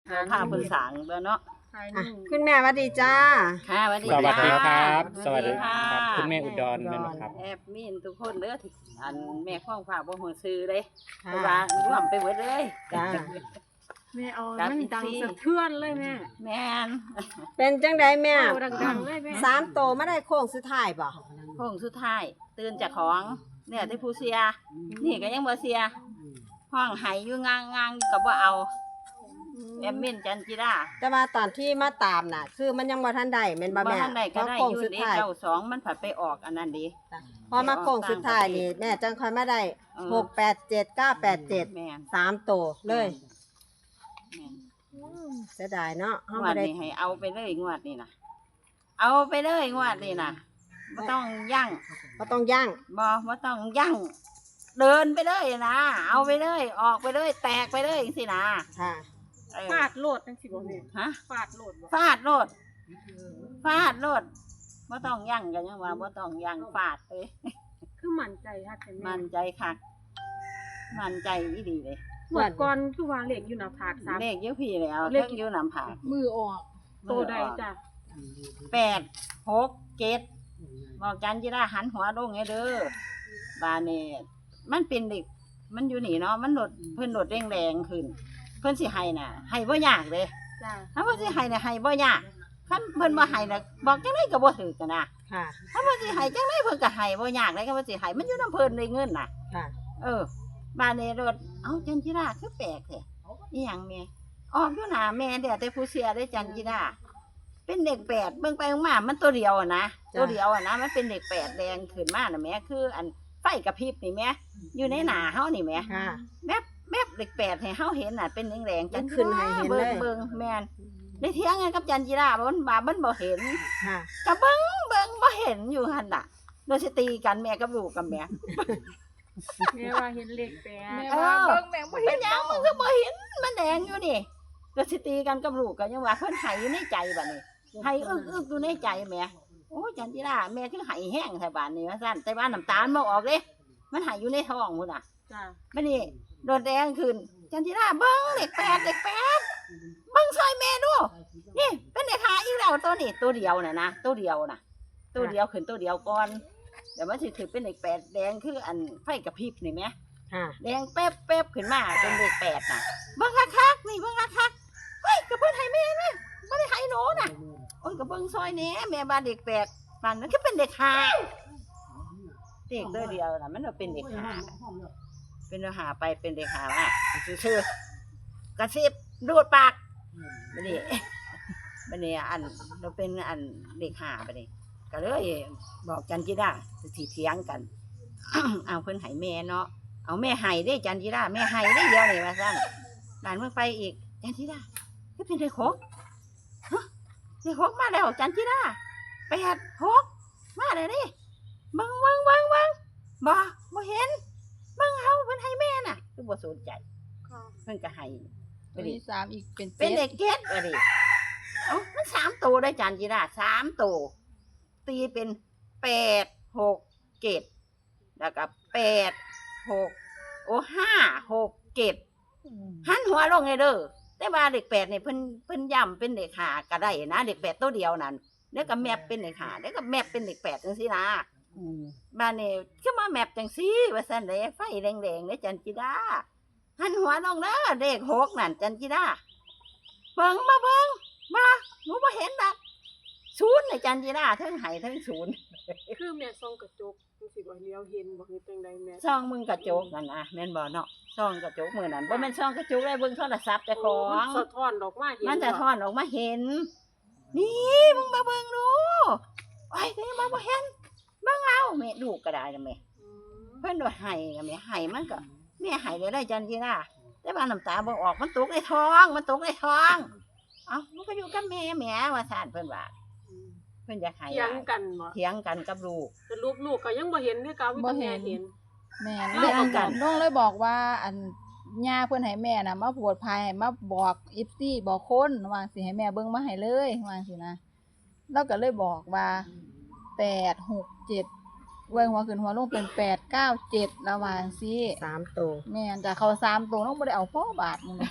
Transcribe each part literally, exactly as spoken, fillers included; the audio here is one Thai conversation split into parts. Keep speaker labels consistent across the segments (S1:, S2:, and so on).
S1: พาเพิ่นสางเด้อเนาะ
S2: อ่ะคุณแม่สวัสดีจ้า
S1: ค่ะสวัสดี
S3: สวัสดีครับ
S1: ส
S3: ส
S1: วั
S3: วั
S1: ส
S3: ส
S1: ดี
S3: ดี
S1: ค
S3: ค
S1: รั
S3: รับ
S1: บ
S3: คุณแม่อุดรแม่นบ่ครับ
S1: แอบมีนทุกคนเด้อที่อันแม่ข้องฝากบ่ฮู้ชื่อเด้
S2: ค่ะ
S1: เพราะว่าร่วมไปหมดเลย
S2: จ้า
S4: แม่เอา
S1: ครับ
S4: มันดัง
S1: อีกที
S4: สะเทือนเลยแม่
S1: แม่น
S2: เป็นจังไดแม่
S4: เอาดังๆเลยแม่
S2: สามโตมาได้โค้งสุดท้ายบ่
S1: โค้งสุดท้ายตื่นจากของเนี่ยที่ผู้เสียนี่ก็ยังบ่เสียห้องไห้อยู่งางๆอยู่ก็บ่เอาแอมมินจันจิรา
S2: แต่ว่าตอนที่มาตามน่ะ คือมันยังบ่ทันได้แม่นบ่
S1: บ่
S2: แม่
S1: ทันได้ก็ได้
S2: เพราะโค้ง
S1: อยู่
S2: สุด
S1: เด้
S2: ท้าย
S1: เก้าสองมันผัดไปออกอันนั้นดี
S2: พอมาโค้งสุดท้ายนี่แม่จังค่อยมาได้
S1: เออ
S2: หกแปดเจ็ดเก้าแปดเจ็ด
S1: แม่น
S2: สามโตเลย
S1: แม่น
S2: เสียดายเนาะเฮาง
S1: ว
S2: บ่
S1: ด
S2: ได้
S1: นี้ให้เอาไปเลยงวดนี้นะเอาไปเลยงวดนี้นะไม่ต้องยั่ง
S2: บ่ต้องย่าง
S1: บอไม่ต้องยั่ง เดินไปเลยนะเอาไปเลย ออกไปเลย แตกไปเลยสินะ
S2: ค่ะ
S1: เออ
S4: ฟาดโลดจังสิบ่แม่
S1: ฮะ
S4: ฟาดโลดบ่
S1: ฟาดโลดฟาดโลดไม่ต้องยั่งกันยังว่าไม่ต้องยั่งฟาดเลย
S4: คือมั่นใจค่ะแต่แม่
S1: มันใจคักมันใจอีดีเลย
S4: หมดก่อนคือว่าเลขอยู่หน้าผากสาม
S1: เลขเยอะพี่แล้ว
S4: เล
S1: เล
S4: ข
S1: ขเยอะนำผาก
S4: มือออกโตใดจ้ะ
S1: แปดหกเจ็ดบอกจันจิราหันหัวลงไงเด้อบาเนตมันเป็นเด็ก มันอยู่นี่เนาะมันโดดเพิ่นโดดแดงแดงๆขึ้น เพิ่นสิให้น่ะให้บ่ยากเลย
S4: จ้ะ
S1: ถ้าเพิ่นสิให้น่ะให้บ่ยากคันเพิ่นบ่ให้น่ะบอกจังได๋ก็บ่ถูกกันนะ
S2: ค่ะ
S1: ถ้าเพิ่นสิให้จังได๋เพิ่นก็ให้บ่ยากเลยก็เพิ่นสิให้มันอยู่นำเพิ่นได้เงินน่ะ
S2: ค่ะ
S1: เออบาเนโดดเอ้าจันจิราคือแปลกแท้อีหยังแม่ออกอยู่หน้าแม่เด้อแต่ผู้เสียได้จันจิราเป็นเด็กแปดเบิ่งไปเบิ่งมามันตัวเดียวอะนะตัวเดียวอะนะมันเป็นเด็กแปดแดงขึ้นมาน่ะแม่คืออันไฟกระพริบนี่แม่อยู่ในหน้าเฮานี่แม่
S2: ค่ะ
S1: แมบแมบเด็กแปดให้เฮาเห็นน่ะเป็นแดงๆ
S2: มันขึ้นให้เห็นเลย
S1: เบิ่งเบิ่งแม่นได้เถียงกันกับจันจิราบ่มันบามันบ่เห็น
S2: ค่ะ
S1: ก็เบิ่งเบิ่งบ่เห็นอยู่หั่นน่ะโดยสิตีกันแม่กับลูกกับแม่
S4: แม่ว่าเห็นเลขแปด
S1: เออเบิ่งแม่บ่เห็นหยังมันก็บ่เห็นมันแดงอยู่นี่โดยสิตีกันกับลูกก็ยังว่าเพิ่นให้อยู่ในใจบัดนี้ให้อึกอึกอยู่ในใจแม่โอ้ยจันจิราแม่คือให้แห้งแท้บาดนี้ว่าซั่นแต่ว่าน้ำตาลบ่ออกเด้มันให้อยู่ในท้องพุ่นน่ะ
S4: จ้ะ
S1: บัดนี้โดนแดงขึ้นจันทิราเบิ้งเด็กแปดเด็กแปดเบิ้งซอยแม่ดูนี่เป็นเด็กหาอีกแล้วตัวนี้ตัวเดียวน่ะนะตัวเดียวน่ะตัวเดียวขึ้นตัวเดียวก่อนเดี๋ยวมันสิถือเป็นเด็กแปดแดงคืออันไฟกระพริบนี่ไหม
S2: ค่ะ
S1: แดงแป๊บแป๊บขึ้นมาเป็นเด็กแปดน่ะเบิ้งคักๆนี่เบิ้งคักๆเฮ้ยกระเพิ่นให้แม่นะไม่ได้ให้หนูน่ะโอ้ยกระเบิ้งซอยนี้แม่บ้านเด็กแปดบ้านนั้นก็เป็นเด็กหาเด็กตัวเดียวน่ะมันก็เป็นเด็กหา เป็นเนื้อหาไปเป็นเด็กหาว่าชื่อกระซิบดูดปากบันนี้ บันนี้อันเราเป็นอันเด็กหาบันนี้ก็เลยบอกจันจิราสิเถียงกัน เอาเพิ่นไห้แม่เนาะเอาแม่ไห้ได้จันจิราแม่ไห้ได้เดียวนี่ว่าซั่นหลานเมื่อไปอีกจันจิราก็เป็นเด็กหกฮะเด็กหกมาแล้วจันจิราแปดหกมาเลยดิบังบังบังบังบ่บ่เห็น เบิ่งเฮาเพิ่นให้แม่น่ะคือบ่สนใจเพิ่นก็ให้
S5: ตัวที่สามอีกเป็น
S1: เป็น
S5: เจ็
S1: เด็
S5: ด
S1: กเก็ดว่าดิเอ้ามันสามตัวได้จานจีราสามตัวตีเป็นแปดหกเจ็ดแล้วก็แปดหกโอ้ห้าหกเจ็ดหันหัวลงไงเด้อแต่ว่าเด็กแปดนี่เพิ่นเพิ่นย้ำเป็นเด็กหาก็ได้นะเด็กแปดตัวเดียวนั่นแล้วก็แมปเป็นเด็กหาแล้วก็แมปเป็นเด็กแปดจังซี่นะ บ้านนี่คือมาแมปจังซี่ว่าซั่นเด้ไฟแดงๆเด้จันจิดาหันหัวลงเด้อเลขหกนั่นจันจิดาเบิ่งมาเบิ่งมาหนูบ่เห็นดอกศูนย์น่ะจันจิดาทั้งไห้ทั้งศูนย์
S4: คือแม่ส่องกระจกจังสิบ่เลี้ยวเห็นบ่คือจังใดแม่
S1: ช่องมึงกระจกนั่นนะแม่นบ่เนาะช่องกระจกมื้อนั้นบ่แม่นช่องกระจกได้เบิ่งโทรศัพท์เจ้าของ
S4: สะท้อนออกมาเห็น
S1: มันจะทอนออกมาเห็น นี่มึงมาเบิ่งดูไอ้นี่มาบ่เห็นเบิ่งเอาแม่ดูก็ได้นะแม่
S4: อืม
S1: เพิ่นว่าไห้ก็แม่ไห้มันก็แม่ไห้ได้ได้จันทีน่ะแต่ว่าน้ำตาบ่ออกมันตกในท้อง มันตกในท้องเอ้ามันก็อยู่กับแม่แม่ว่าซั่นเพิ่นว่า
S4: อืม
S1: เพิ่นอยากให้
S4: เถียงกันบ่
S1: เถียงกันกับลูก
S4: สรุปลูกก็ยังบ่เห็นคือเก่ามีแต่แม่เห็น
S5: แม่น
S1: เอา
S5: เรื่อง
S1: เอากัน
S5: น้องเลยบอกว่าอันย่าเพิ่นให้แม่น่ะมาปวดภายให้มาบอกอีฟซี่บอกคนว่าสิให้แม่เบิ่งมาให้เลยว่าสินะเราก็เลยบอกว่าแปดหกเจ็ดเว้ยหัวขึ้นหัวลงเป็นแปดเก้าเจ็ดระหว่างสิ
S2: สามโต
S5: แม่นจะเข้าสามตัวน้องบ่ได้เอาพ่อบาทมึงเลย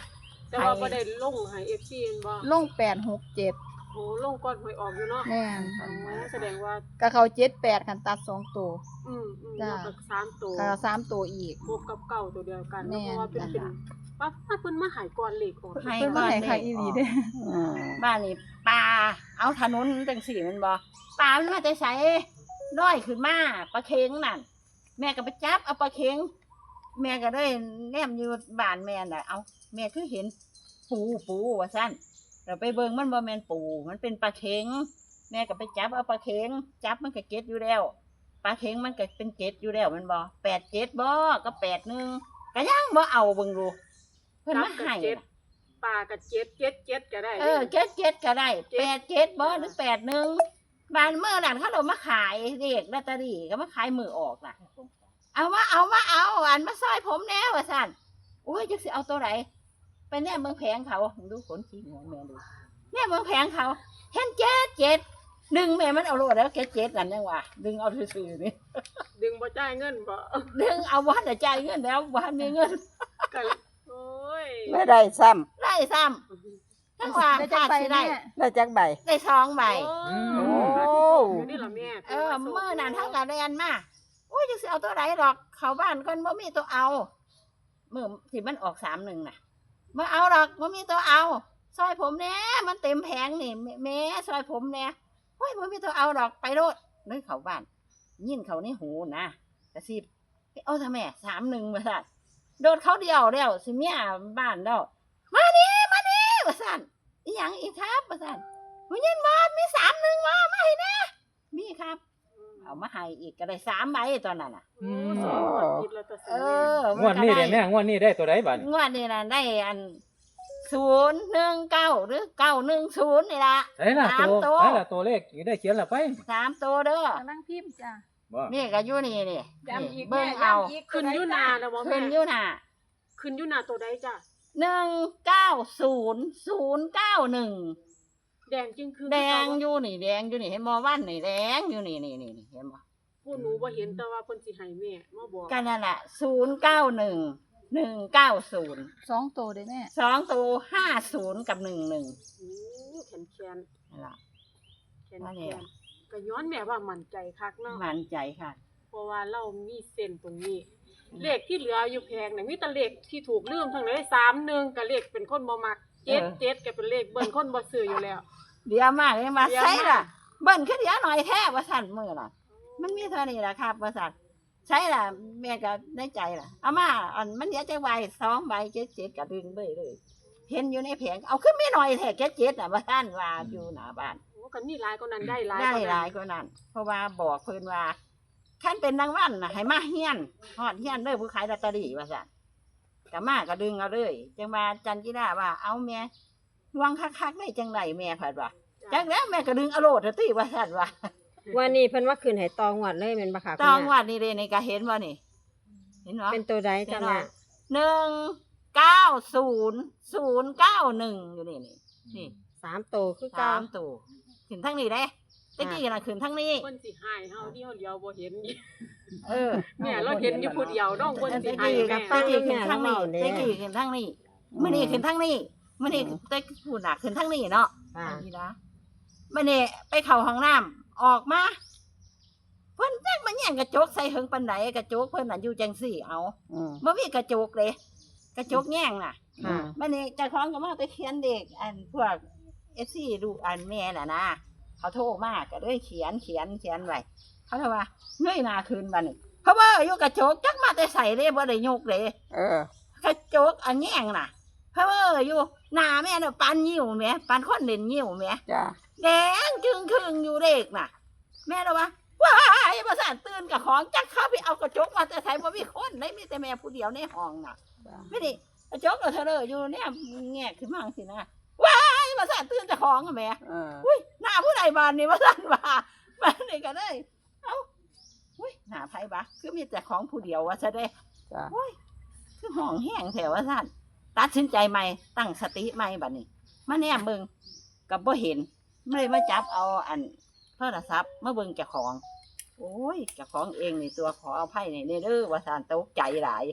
S4: แต่ว่าบ่ได้ลงให้ เอฟ ซี แม่นบ่
S5: ลงแปดหกเจ็ด
S4: โอ้ลงก่อนหวยออกอยู่เนาะ
S5: แม่น
S4: อ๋อแสดงว่า
S5: ก็เขาเจ็ดแปดคันตัดสองตัว
S4: อืมอืม
S5: จ้ะ
S4: แล้วก็สามตัว
S5: ก็สามตัวอีก
S4: บวกกับเก่าตัวเดียวกัน
S5: แม่
S4: เนาะเพราะว่าเป็น
S5: จ้ะ
S4: เป็นว่าว่าเพิ่นมาใหายก่อนเลขออก
S1: ให้
S5: เพิ่น
S1: ก่
S5: มา
S1: อน
S5: ให้
S1: เล
S5: ค่ะ
S1: ข
S5: อีหลี
S1: ออก
S5: เด้อ
S1: อืมบ้านนี่ปลาเอาถนนจังสี่แมันบ่ปลามันมาแต่ไสลอยขึ้นมาปลาเค็งนั่นแม่ก็ไปจับเอาปลาเค็งแม่ก็ได้แนมอยู่บ้านแม่น่ะเอาแม่คือเห็นปูปูว่าซั่นเราไปเบิ่งมันบ่แม่นปูมันเป็นปลาเค็งแม่ก็ไปจับเอาปลาเค็งจับมันก็เก็ดอยู่แล้วปลาเค็งมันก็เป็นเก็ดอยู่แล้วแมันบ่แปดเจ็ดบ่ก็แปดหนึ่งก็ยังบ่เอาเบิ่งดูเพิ่นมาให้
S4: เจ็ด
S1: น่ะ
S4: ปลากับเจ็ดเจ็ดเจ็ดก็ได้
S1: เออเจ็ดเจ็ดก็ได้แปดเจ็ดบ่หรือแปดหนึ่งบานเมื่อนั้นเขาเรามาขายเด็กลอตเตอรี่ก็มาขายมือออกน่ะ เอามาเอามาเอาอันมาซอยผมแน่ว่าสั่นโอ้ยจักสิเอาตัวไหนไปแน่เมืองแผงเขาดูขนขี้หัวแม่ดูแน่เมืองแผงเขาเห็นเจ็ดเจ็ดดึงแม่มันเอาโลดแล้วเจ็ดเจ็ดนั่นยังวะดึงเอาซื่อๆนี่
S4: ดึงบ่จ่ายเงินบ่
S1: ดึงเอาวันแต่จ่ายเงินแล้ววันมีเงิน
S4: ก็โอ้ย
S2: ไม่ได้ซ้
S1: ได้ซ้ำทั้งว่า
S5: ได้จั
S1: ขาก ด
S5: ไป
S1: สิ
S5: แม่
S1: ได้
S2: ำได้จักใบ
S1: ได้สองใบ
S4: โอ้
S2: โอ้
S4: อยู่นี่ล่ะแม่
S1: เออเมื่อนั้นเท่ากับเรียนมาโอ้ยจะสิเอาตัวไหนหรอก เขาบ้านคนบ่มีตัวเอาเมื่อที่มันออกสามหนึ่งน่ะมาเอาหรอกบ่มีตัวเอาซอยผมแน่มันเต็มแผงนี่แม่แม่ซอยผมแน่โอ้ยบ่มีตัวเอาหรอกไปโลดเลยเขาบ้านยินเขาในหูนะกระซิบเอาทำไมสามหนึ่งมาสั่นโดดเขาเดียวแล้วสิเมียบ้านแล้วมานี่มานี่มาสั่นอีหยังอีกครับมาสั่นมึงยินบอดมีสามหนึ่งมามาให้แน่มีครับ เอามาให้อีกก็ได้สามใบตอนนั้นน่ะ
S4: โอ้สองงวดติดแล้วแต่
S1: เออ
S3: งวดนี้เด้แม่งวดนี้ได้ตัวใดบัด
S1: งวดนี้น่ะได้อันศูนย์หนึ่งเก้าหรือเก้าหนึ่งศูนย์นี่ละ
S3: ไอ้ล่ะ
S1: สาม
S3: ตัว
S1: ตัว
S3: ไอ้ล่ะตัวเลขอยู่ได้เขียนและไป
S1: สามตัวเด้อก
S5: ำลังพิมพ์จ้ะ
S3: บ่
S1: นี่ก็อยู่นี่นี่
S5: ย้ำอีก
S1: เบิ่ง
S5: แม่
S1: เอา
S5: ย้ำอีก
S4: ขึ้นอยู่หนานะบ่
S1: ขึ้
S4: แม่
S1: นอยู่น่ะ
S4: ขึ้นอยู่หนาตัวใดจ้ะ
S1: หนึ่งเก้าศูนย์ศูนย์เก้าหนึ่ง
S4: แดงจึงคือ
S1: แดงอยู่นี่แดงอยู่นี่เห็นบ่วันนี่แดงอยู่นี่นี่นี่นี่เห็นบ่
S4: ผู้หนูบ่เห็นแต่ว่าเพิ่นสิให้แม่มาบอก
S1: ก็นั่นแหละศูนย์เก้าหนึ่งหนึ่งเก้าศูนย์
S5: สองตัวเด้อแม่
S1: สองตัวห้าศูนย์กับหนึ่งหนึ่ง
S4: โอ้แขนแขน
S1: นั่นล่ะ
S4: แขน
S1: ว่า
S4: แข
S1: แล้ว
S4: นก็ย้อนแม่ว่ามั่นใจคักเนาะ
S1: มั่นใจค่ะ
S4: เพราะว่าเรามีเส้นตรงนี้ เลขที่เหลืออยู่แพงเนี่ยมีแต่เลขที่ถูกลืมทั้งนั้นสามหนึ่งกับเลขเป็นคนบ่มักเจ็ดเจ็ดก็เป็นเลขเบิ่นคนบ่ซื้ออยู่แล้ว
S1: เดี๋ยวมากเลยมา
S4: เดี๋ยว
S1: ใช่
S4: มาก
S1: ล่ะเบิ้ลขึ้นเดี๋ยวหน่อยแท้ว่าสั่นมือล่ะ มันมีเท่านี้ล่ะครับว่าสั่นใช่ล่ะแม่ก็ได้ใจล่ะเอามาอันมันเดี๋ยวจะใบสองใบเจ็ดเจ็ดก็ดึงไปเลยเห็นอยู่ในแผงเอาขึ้นไม่หน่อยแท้เจ็ดเจ็ดน่ะว่าสั่นว่าอยู่หน้าบ้าน
S4: โอ้กันนี่หลายกว่านั้นได้หลาย
S1: ได้
S4: กว่า
S1: หลา
S4: นั้
S1: ย
S4: น
S1: กว่านั้น เพราะว่าบอกเพิ่นว่าขั้นเป็นนางวันน่ะให้มาเฮียนฮอดเฮียนเด้อผู้ขายลอตเตอรี่ว่าสั่นก็มาก็ดึงเอาเลยจังว่าจันจิราว่าเอาแม่วางคักๆได้จังไดแม่ผัดว่าจังแล้วแม่ก็ดึงเอาโลดเถอะติว่าสั่นว่า
S2: วันนี้เพิ่นว่าคืนให้ตองหวดเลยแม่นบ่ค่ะ
S1: ตอง
S2: คุณแม่
S1: วัดนี่เลยนี่ก็เห็นว่านี่ เห็นบ่
S2: เป็นตัวใดจ้ะแม่
S1: หนึ่งเก้าศูนย์ศูนย์เก้าหนึ่งอยู่นี่นี่นี่
S2: สามตัวคือเก่า
S1: สามตัวขึ้นทั้งนี้เด้ตะกี้น่ะขึ้นทั้งนี้
S4: เพิ่นสิให้เฮาที่เฮาเดียวบ่เห็น
S1: เออ
S4: แม่เราเห็นอยู่ผู้เดียวน้องเพิ่น
S1: ตะ
S4: สิ
S1: กี้
S4: ให้
S1: กั
S4: แม่
S1: บตะกี้ขึ้นทั้งนี้ตะกี้ขึ้นทั้งนี้มื้อนี้ขึ้นทั้งนี้มื้อนี้ตะกี้พูดน่ะขึ้นทั้งนี้เนาะ
S2: ค่ะ
S1: นี่นะมื้อนี้ไปเข้าห้องน้ำออกมาเพิ่นจักมาแย่งกระจกใส่เหิงปานใดกระจกเพิ่นน่ะอยู่จังซี่เอา
S2: อืม
S1: บ่มีกระจกเลยกระจกแย่งน่ะ
S2: ค่ะ
S1: บัดนี้เจ้าของก็มาไปเขียนเด็กอันพวก เอฟ ซี ดูอันแม่น่ะนะเขาโทรมาก็เลยเขียนเขียนเขียนไว้เขาเลยว่าเงยหน้าขึ้นบัดนี้เพราะว่าอยู่กระจกจักมาแต่ใส่เลยบ่ได้ยกเลย
S2: เออ
S1: กระจกอันแย่งน่ะเพราะว่าอยู่หน้าแม่น่ะปานยิ้วแม่ปานคนเล่นยิ้วแม่
S2: จ้ะ
S1: แดงจึงครึ่งอยู่เด็กน่ะ แม่เลยว่าว้ายประสานตื่นกับของจักเข้าไปเอากระจกมาแต่ใส่บ่มีคนได้มีแต่แม่ผู้เดียวในห้องน่ะ ไม่ได้กระจกกับเธอเลยอยู่เนี่ยแงกขึ้นมาสินะว้ายมาสั่นตื่นแต่ของอะแม่
S2: เออ
S1: อุ้ยหน้าผู้ใดบานนี่มาสั่นว่าบ้านนี่ก็ได้เอ้าอุ้ยหน้าไผบะคือมีแต่ของผู้เดียวว่าซะได้
S2: จ้ะ
S1: อุ้ยคือห้องแห้งแถวว่าสั่นตัดสินใจใหม่ตั้งสติใหม่บัดนี้มาแนมเบิ่งกับบ่เห็นไม่เลยมาจับเอาอันโทรศัพท์มาเบิ่งเจ้าของ โอ้ยเจ้าของเองนี่ตัวขอเอาไพ่นี่เด้อว่าสั่นตกใจหลาย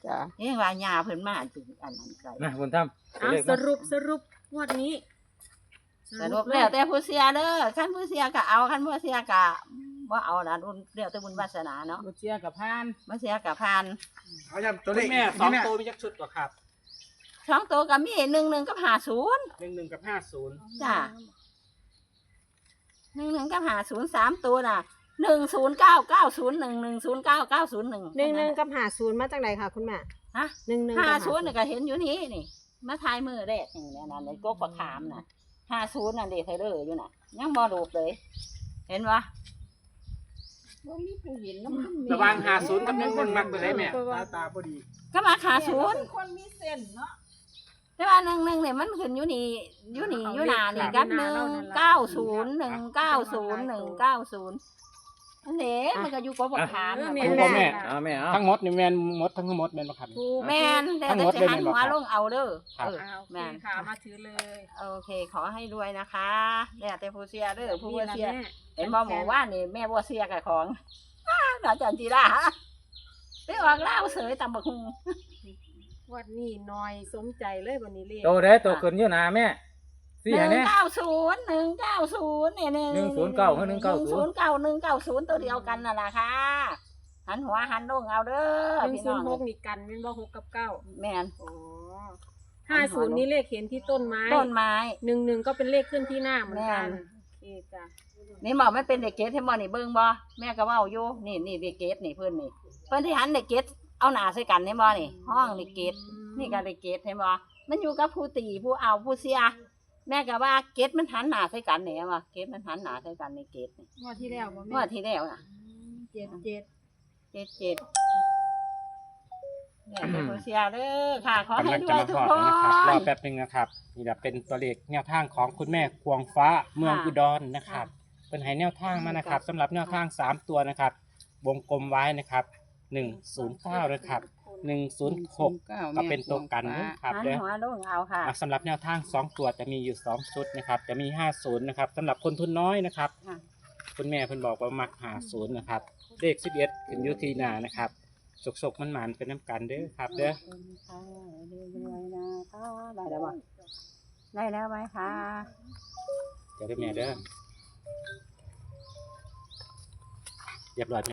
S2: จ้ะ
S1: เอ้ว่าญาเพิ่นมาถึงอันนั้นไกล
S3: นะบุญธรรม
S4: อ่ะ
S3: เลข
S4: ส
S3: มา
S4: รุปสรุปงวดนี้
S1: สรุปแล้วแต่ผู้เสียเด้อคันผู้เสียก็เอาคันบ่เสียก็บ่เอาล่ะรุ่นเดี๋ยวแต่บุญวาสนาเนาะ
S6: บ่เชียร์กับพาน
S1: บ่เสียก็ผ่าน
S6: เอาย้ำตัวเลข
S7: แม่สองตัวมีจักชุดก่อครับ
S1: สองตัวก็มีหนึ่งหนึ่งกับห้าศูนย์
S7: หนึ่งหนึ่งกับห้าศูนย์
S1: จ้ะหนึ่งหนึ่งกับห้าศูนย์สามตัวน่ะหนึ่งศูนย์เก้าเก้าศูนย์หนึ่งหนึ่งศูนย์เก้าเก้าศูนย์หนึ่ง
S2: หนึ่งหนึ่งกับหาศูนย์มาจากไหนคะคุณแม่
S1: ฮะ
S2: หนึ่งหนึ่ง
S1: ห้า
S2: กับ
S1: ศูนย์น่ะก็เห็นอยู่นี่นี่มาทายมือแรกนี่นั่นในกกประคามน่ะห้าศูนย์น่ะเด็กไทเลอร์อยู่น่ะ ยังบ่รูปเลย เห็นปะ
S5: บ่มีผู้เห็นนำ
S7: ระหว่างห้าศูนย์กับหนึ่งหนึ่งมักไปได้แม่
S6: ตาตาพอดี
S1: ก็มาขาศูนย์
S5: คนมีเส้นเนาะ
S1: แต่ว่าหนึ่งหนึ่งเนี่ยมันขึ้นอยู่นี่อยู่นี่อยู่หนานี่กับหนึ่งเก้าศูนย์หนึ่งเก้าศูนย์หนึ่งเก้าศูนย์นั่นเองมันก็อยู่กบขาม
S4: เออ
S1: น่ะ
S4: แม่
S3: ถูกบ่แม่เอาแม่เอา
S7: ทั้งหมดนี่แม่นหมดทั้งหมดแม่นบ่ครับ
S4: ถูก
S1: แม่นแต่
S7: ทั้งหม
S1: จะ
S7: ดเลย
S1: หัน
S7: แม่นบ่
S1: หัว
S7: ครับ
S1: ลงเอาเด้อ
S7: ครับ
S1: เออ
S4: อ่าโอเค
S1: แม่น
S4: ค่ะมาถือเลย
S1: โอเค ขอให้รวยนะคะแล้วแต่ผู้เสียเด้อผู้
S4: นี่
S1: บ่
S4: ล่ะ
S1: เสีย
S4: แม่
S1: เห็นบ่หมอว่านี่แม่บ่เสียกับของ อ้าอาจารย์จีราไปออกเล่าวเสยตำบักหุง
S4: วัดนี้น้อยสมใจเลยวันนี้เลข
S3: ตัวใดตัวขึ้นอยู่หน้าแม่สี่
S1: ห
S3: อัน
S1: นึ่
S3: นี้
S1: งเก้าศูนย์หนึ่งเก้าศูนย์เนี่ย
S3: หนึ่งศูนย์เก้ากับหนึ่งเก้าศูนย์
S1: ศูนย์เก้าหนึ่งเก้าศูนย์ตัวเดียวกันน่ะล่ะค่ะหันหัวหันลงเอาเด้อ
S4: หนึ่ง
S1: พี่
S4: ศู
S1: น้อน ง
S4: ย์หกนี่กันเป็นบ่หกกับเก้า
S1: แม่น
S4: อ๋อห้าศูนย์นี่เลขเห็นที่ต้นไม้
S1: ต้นไม้
S4: หนึ่งหนึ่งก็เป็นเลขขึ้นที่หน้าเหมือนกัน
S1: แม่น
S4: โอเคจ้ะ
S1: นี่บอกไม่เป็นเด็กเกตให้บ่นี่เบิ่งบ่แม่ก็เว้าอยู่นี่นี่เด็กเกตนี่เพิ่นนี่เพิ่นที่หันเด็กเกตเอาหน้าใส่กันให้บ่นี่ ห้องเด็กเกตนี่ก็เด็กเกตให้บ่มันอยู่กับผู้ตีผู้เอาผู้เสีย แม่ก็ว่าเกตมันหันหน้าใส่กันแหน่ว่าเกตมันหันหน้าใส่กันในเกตนี่
S5: งวดที่แล้วบ่
S1: เมื่
S5: แม่
S1: อที่แล้วน่ะ
S5: เจ็ดเจ็ด
S1: เจ็ดเจ็ดเนี่ยเป็นผู้เสียเด้อค่ะ ขอให้
S7: กำลัง
S1: ด้
S7: จะ
S1: วย
S7: มา
S1: ทุก
S7: พอ
S1: ค
S7: ดนะครับรอน แป๊บนึงนะครับนี่แหละเป็นตัวเลขแนวทางของคุณแม่ควงฟ้าเมืองอุดรนะครับเป็นให้แนวทางมานะครับสำหรับแนวทางสามตัวนะครับวงกลมไว้นะครับหนึ่งศูนย์เก้านะครับหนึ่งศูนย์หกก็เป็นตัวกันนะครับ
S1: หัน
S7: เด้อ
S1: หัวลงเอาค่ะ
S7: อ่ะสำหรับแนวทางสองตัวจะมีอยู่สองชุดนะครับ จะมีห้าศูนย์นะครับสำหรับคนทุนน้อยนะครับ
S1: ค่ะ
S7: คุณแม่เพิ่นบอกว่ามักหาศูนย์นะครับเลขสิบเอ็ดขึ้นอยุทีหนานะครับสกๆมันหมานๆเป็นน้ำกันเด้อครับเด้อ
S1: ขอบคุณค่ะเรื่อยๆนะคะได้แล้วบ่ได้แล้วไหมคะ
S7: เดี๋ยวเด้อแม่เด้อเรียบร้อย